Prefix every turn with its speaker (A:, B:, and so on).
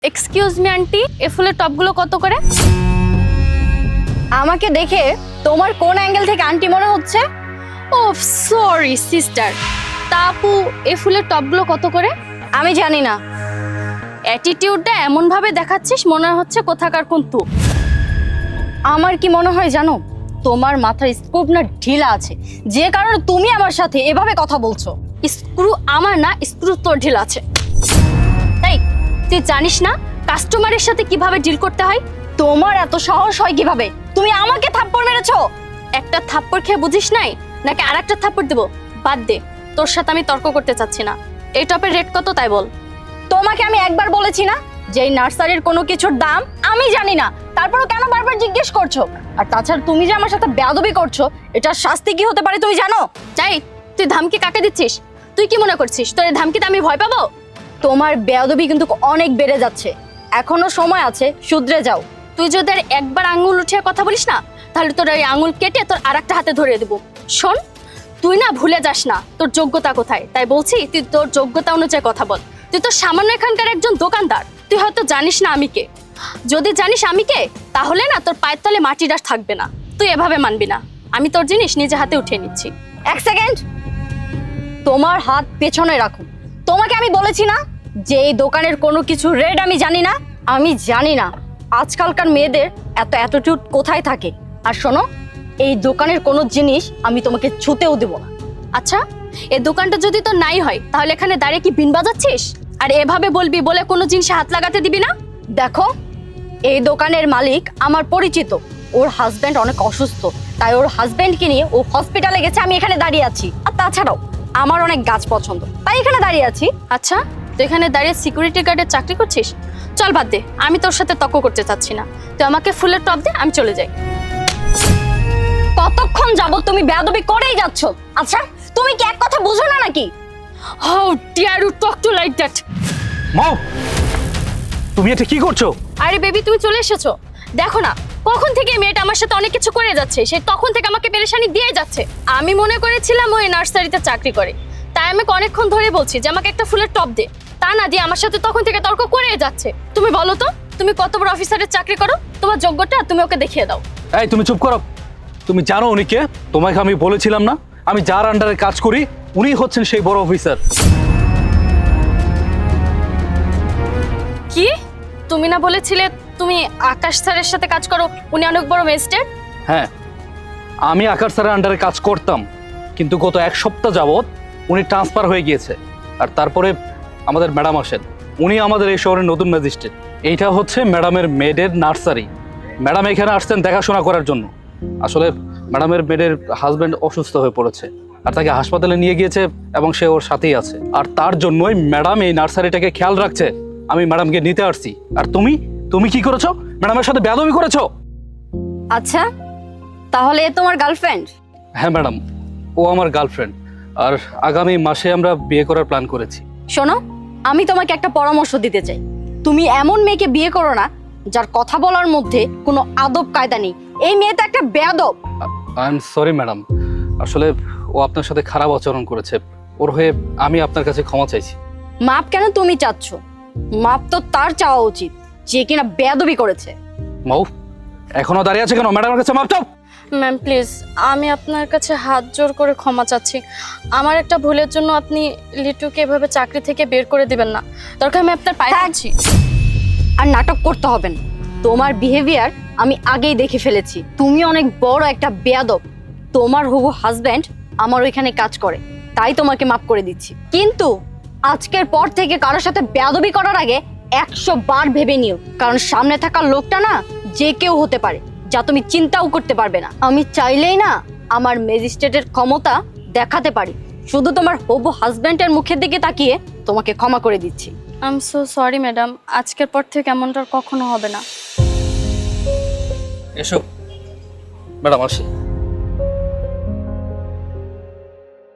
A: Excuse me aunty, এ ফুলের টপগুলো কত করে?
B: আমাকে দেখে তোমার কোন অ্যাঙ্গেল থেকে আন্টি মনে হচ্ছে?
A: Oh sorry sister. তা আপু, এ ফুলের টপগুলো কত করে?
B: আমি জানি না।
A: অ্যাটিটিউডটা এমন ভাবে দেখাচ্ছিস মনে হচ্ছে কোথাকার কোন তু।
B: আমার কি মনে হয় জানো, তোমার মাথার স্কোপ না ঢিলা আছে, যে কারণে তুমি আমার সাথে এভাবে কথা বলছো।
A: স্ক্রু আমার না, স্ক্রু তোর ঢিল আছে। তাই তুই জানিস না কাস্টমারের সাথে কিভাবে ডিল করতে হয়?
B: তোমার এত সাহস হয় কিভাবে? তুমি আমাকে থাপ্পড় মেরেছো।
A: একটা থাপ্পড় খেয়ে বুঝিস নাই নাকি আরেকটা থাপ্পড় দেবো? বাদ দে, তোর সাথে আমি তর্ক করতে চাচ্ছি না। এই টপের রেট কত তাই বল।
B: তোমাকে আমি একবার বলেছি না যে এই নার্সারির কোনো কিছুর দাম আমি জানি না, তারপরও কেন বারবার জিজ্ঞেস করছো? আর তাছাড়া তুমি যে আমার সাথে বেয়াদবি করছো, এটার শাস্তি কি হতে পারে তুমি জানো?
A: যাই, তুই ধামকি কাকে দিচ্ছিস? তুই কি মনে করছিস তোর এই ধামকিতে আমি ভয় পাবো?
B: তোমার বেয়াদবি কিন্তু অনেক বেড়ে যাচ্ছে, এখনো সময় আছে, শুধরে যাও।
A: তুই যদি আর একবার আঙুল উঠিয়ে কথা বলিস না, তাহলে তোর এই আঙুল কেটে তোর আরেকটা হাতে ধরিয়ে দেবো। শোন, তুই না ভুলে যাস না তোর যোগ্যতা কোথায়, তাই বলছি তুই তোর যোগ্যতা অনুযায়ী কথা বল। তুই তো সামান্য এখানকার একজন দোকানদার, তুই হয়তো জানিস না আমি কে। যদি জানিস আমি কে, তাহলে না তোর পায়ের তলে মাটির আর থাকবে না। তুই এভাবে মানবি না, আমি তোর জিনিস নিজে হাতে উঠিয়ে নিচ্ছি।
B: এক সেকেন্ড, তোমার হাত পেছনে রাখো। তোমাকে আমি বলেছি না যে এই দোকানের কোনো কিছু রেট আমি জানি না। আমি জানি না আজকালকার মেয়েদের এত অ্যাটিটিউড কোথায় থাকে। আর শোনো, এই দোকানের কোনো জিনিস আমি তোমাকে ছুতেও দেব না।
A: আচ্ছা, এই দোকানটা যদি তোর নাই হয় তাহলে এখানে দাঁড়িয়ে কি বিন বাজাচ্ছিস? আর এভাবে বলবি বলে কোনো জিনিসে হাত লাগাতে দিবি না?
B: দেখো, এই দোকানের মালিক আমার পরিচিত, ওর হাজবেন্ড অনেক অসুস্থ, তাই ওর হাজবেন্ডকে নিয়ে ও হসপিটালে গেছে, আমি এখানে দাঁড়িয়ে আছি। আর তাছাড়াও আমার অনেক গাছ পছন্দ, তাই এখানে দাঁড়িয়ে আছি।
A: আচ্ছা, তুই এখানে দাঁড়িয়ে সিকিউরিটি গার্ডের চাকরি করছিস? চল বাদ দে, আমি তোর সাথে তর্ক করতে চাচ্ছি না। তুই আমাকে ফুলের টপ দে, আমি চলে যাই।
B: কতক্ষণ যাবত তুমি বেয়াদবি করেই যাচ্ছ? আচ্ছা, তুমি কি এক কথা বুঝো না নাকি?
A: How dare you talk to like that?
C: Mom, তুমি এটা কি করছো?
A: আরে বেবি, তুমি চলে এসেছো। দেখো না, কখন থেকে এই মেয়েটা আমার সাথে অনেক কিছু করে যাচ্ছে, সে তখন থেকে আমাকে পেরেশানি দিয়ে যাচ্ছে। আমি মনে করেছিলাম ওই নার্সারিতে চাকরি করে, তাই আমাকে অনেকক্ষণ ধরে বলছি যে আমাকে একটা ফুলের টপ দে। তা না দিয়ে আমার সাথে তখন থেকে তর্ক করে যাচ্ছে। তুমি বলো তো, তুমি কত বড় অফিসারের চাকরি করো? তোমার যোগ্যতা তুমি ওকে দেখিয়ে দাও।
C: এই তুমি চুপ করো। তুমি জানো উনি কে? তোমাকে আমি বলেছিলাম না আমি যার আন্ডারে কাজ করি উনি হচ্ছেন সেই বড় অফিসার।
A: কি? তুমি না বলেছিলে তুমি আকাশ স্যারের সাথে কাজ করো, উনি অনেক বড় ম্যাজিস্ট্রেট?
C: হ্যাঁ, আমি আকাশ স্যারের আন্ডারে কাজ করতাম, কিন্তু গত এক সপ্তাহ যাবৎ উনি ট্রান্সফার হয়ে গিয়েছে। আর তারপরে আমাদের ম্যাডাম আসেন, উনি আমাদের এই শহরের নতুন ম্যাজিস্ট্রেট। এইটা হচ্ছে ম্যাডামের মেয়েদের নার্সারি। ম্যাডাম এখানে আসছেন দেখাশোনা করার জন্য। আসলে ম্যাডামের মেয়েদের হাজব্যান্ড অসুস্থ হয়ে পড়েছে, আর তাকে হাসপাতালে নিয়ে গিয়েছে এবং সে ওর সাথেই আছে। আর তার জন্যই ম্যাডাম এই নার্সারিটাকে খেয়াল রাখছে। আমি ম্যাডামকে নিতে আসছি। আর তুমি তুমি কি করেছো? ম্যাডামের সাথে বেয়াদবি করেছো।
B: আচ্ছা, তাহলে এ তোমার গার্লফ্রেন্ড?
C: হ্যাঁ ম্যাডাম, ও আমার গার্লফ্রেন্ড। আর আগামী মাসে আমরা বিয়ে করার প্ল্যান করেছি।
B: শোনো, আমি তোমাকে একটা পরামর্শ দিতে চাই। তুমি এমন মেয়েকে বিয়ে করো না যার কথা বলার মধ্যে কোনো আদব কায়দা নেই। এই মেয়ে তো একটা বেয়াদব।
C: আই এম সরি ম্যাডাম, আসলে ও আপনার সাথে খারাপ আচরণ করেছে। ওর হয়ে আমি আপনার কাছে ক্ষমা চাইছি।
B: মাপ কেন তুমি চাচ্ছ? মাপ তো তার চাওয়া উচিত যে কিনা বেয়াদবি করেছে।
C: মাউ, এখনো দাঁড়িয়ে আছে কেন? ম্যাডামের কাছে মাপ চাও।
A: ম্যাম প্লিজ, আমি আপনার কাছে হাত জোর করে ক্ষমা চাচ্ছি। আমার একটা ভুলের জন্য আপনি লিটুকে এভাবে চাকরি থেকে বের করে দিবেন না। দরকার আমি আপনার পায়ে পড়ছি।
B: আর নাটক করতে হবে না, তোমার বিহেভিয়ার আমি আগেই দেখে ফেলেছি। তুমি অনেক বড় একটা বেয়াদব। তোমার হবু হাজবেন্ড আমার ওইখানে কাজ করে, তাই তোমাকে মাফ করে দিচ্ছি। কিন্তু আজকের পর থেকে কারোর সাথে বেয়াদবি করার আগে 100 বার ভেবে নিও, কারণ সামনে থাকা লোকটা না যে কেউ হতে পারে, যা তুমি চিন্তাও করতে পারবে না। আমি চাইলেই না আমার ম্যাজিস্ট্রেটের ক্ষমতা দেখাতে পারি। শুধু তোমার হবু হাজবেন্ডের মুখের দিকে তাকিয়ে তোমাকে ক্ষমা করে দিচ্ছি।
A: I am so sorry madam, আজকের পর থেকে এমনটা আর কখনো হবে না।
C: এসো ম্যাডাম, আসি।